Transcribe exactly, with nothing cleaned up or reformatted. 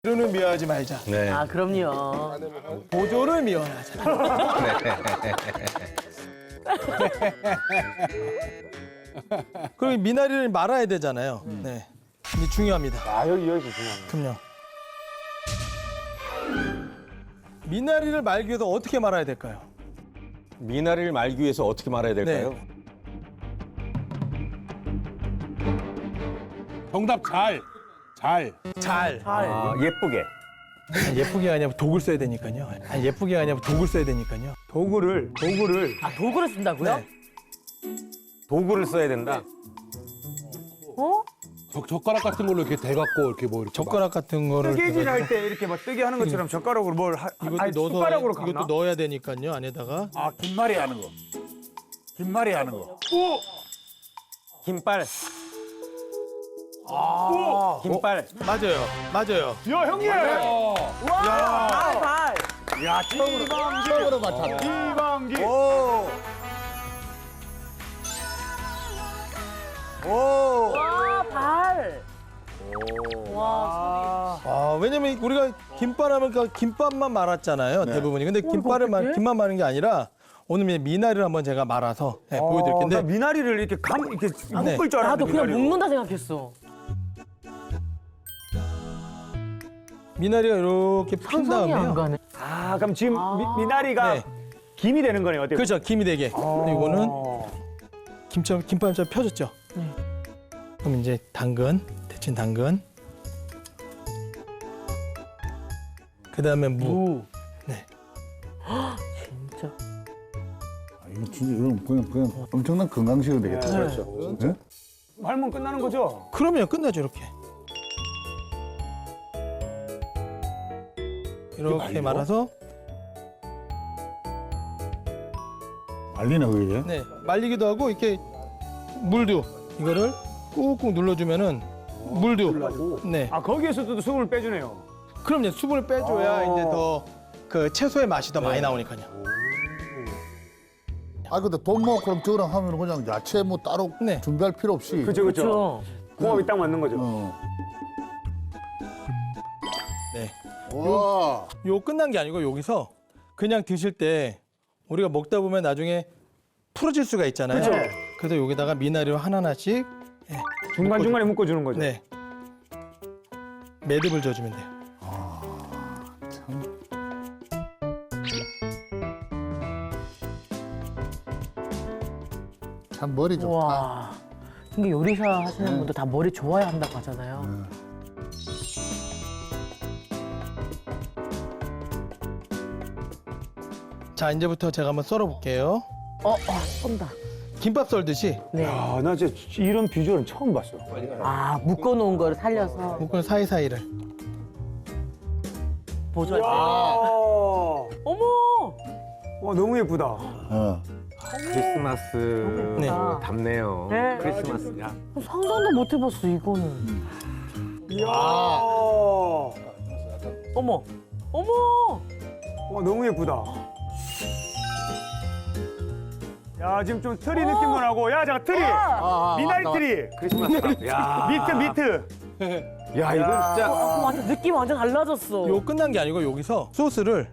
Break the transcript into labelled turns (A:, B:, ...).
A: 재료는 미워하지 말자.
B: 네.
C: 아, 그럼요.
A: 보조를 미워하자. 그리고 미나리를 말아야 되잖아요. 네. 근데 중요합니다.
D: 아, 여기, 여기서 중요합니다.
A: 그럼요. 미나리를 말기 위해서 어떻게 말아야 될까요?
B: 미나리를 말기 위해서 어떻게 말아야 될까요?
A: 네.
D: 정답 잘. 잘.
A: 잘.
B: 아, 예쁘게.
A: 아니, 예쁘게 아니라 독을 써야 되니까요. 아니, 예쁘게 아니라 독을 써야 되니까요.
D: 도구를, 도구를.
C: 아, 도구를 쓴다고요?
A: 네.
B: 도구를 써야 된다.
C: 어?
D: 젓, 젓가락 같은 걸로 이렇게 대갖고 이렇게 뭐 이렇게.
A: 젓가락 같은 거를
E: 뜨개질
A: 해가지고
E: 할 때 이렇게 막 뜨개 하는 것처럼 젓가락으로 뭘 하,
A: 이것도
E: 아니,
A: 넣어서
E: 숟가락으로 감나?
A: 이것도 넣어야 되니까요. 안에다가
E: 아, 김말이 하는 거. 김말이 하는 거.
B: 김빨.
E: 아,
B: 김빨.
A: 맞아요. 맞아요.
E: 야, 형님!
C: 와, 발, 발.
E: 야, 처음으로, 처음으로 맞췄네. 이방기. 오. 오.
C: 와, 발. 와,
A: 아, 왜냐면 우리가 김밥하면 그 김밥만 말았잖아요. 대부분이. 근데 김밥을 말,
C: 어떡해?
A: 김만 마는 게 아니라 오늘 미나리를 한번 제가 말아서 네, 보여드릴
E: 나
A: 텐데
E: 미나리를 이렇게 감, 이렇게
A: 네.
E: 묶을 줄 알았는데.
C: 나도 그냥
E: 미나리로.
C: 묶는다 생각했어.
A: 미나리가 이렇게 핀
C: 상상이 안
A: 다음에요.
C: 가네.
E: 아, 그럼 지금
C: 아.
E: 미, 미나리가
A: 네.
E: 김이 되는 거네요. 어때요?
A: 그렇죠. 김이 되게. 근데 이거는 김처럼 김밥처럼 펴졌죠.
C: 네.
A: 그럼 이제 당근, 데친 당근. 그다음에 무.
C: 무.
A: 네.
C: 진짜.
F: 아, 이거 진짜 이건 그냥 그냥 엄청난 건강식이 되겠다.
C: 네.
E: 그렇죠.
F: 예?
E: 말면 끝나는 거죠?
A: 그러면 끝나죠 이렇게. 이렇게 말아서
F: 말리나 그게?
A: 네 말리기도 하고 이렇게 물도 이거를 꾹꾹 눌러주면은 물도 네
E: 아, 거기에서도 수분을 빼주네요.
A: 그럼요 수분을 빼줘야
E: 아.
A: 이제 더 그 채소의 맛이 더 많이 나오니까요.
F: 아 근데 돈 모아 그럼 저랑 하면 그냥 야채 뭐 따로
A: 네.
F: 준비할 필요 없이.
E: 그죠, 그죠.
C: 그렇죠.
E: 궁합이 딱 맞는 거죠.
F: 어.
A: 네.
F: 와.
A: 요 끝난 게 아니고 여기서 그냥 드실 때 우리가 먹다 보면 나중에 풀어질 수가 있잖아요.
E: 그죠.
A: 그래서 여기다가 미나리를 하나하나씩 네,
E: 중간중간에 묶어주는 거죠.
A: 네 매듭을 줘주면 돼요.
F: 참 머리 좋다.
C: 와. 근데 요리사 하시는 분들 다 머리 좋아야 한다고 하잖아요.
A: 자 이제부터 제가 한번 썰어볼게요.
C: 어, 어, 쏜다.
A: 김밥 썰듯이
C: 네.
E: 아, 나 진짜 이런 비주얼은 처음 봤어.
C: 아, 묶어놓은 거를 살려서
A: 묶은 사이사이를.
C: 보조할 때.
E: 와,
C: 어머!
E: 와, 너무 예쁘다.
F: 어.
B: 크리스마스
A: 네.
B: 답네요.
C: 네.
B: 크리스마스야.
C: 상상도 못 해봤어, 이거는.
E: 이야.
C: 어머! 어머!
E: 와, 너무 예쁘다. 야, 지금 좀 트리 느낌도 나고. 야, 잠깐, 트리!
F: 아,
E: 미나리
F: 아,
E: 트리!
B: 크리스마스. 야.
E: 미트, 미트!
B: 야, 이건 진짜.
C: 어, 완전 느낌 완전 달라졌어.
A: 요 끝난 게 아니고 여기서 소스를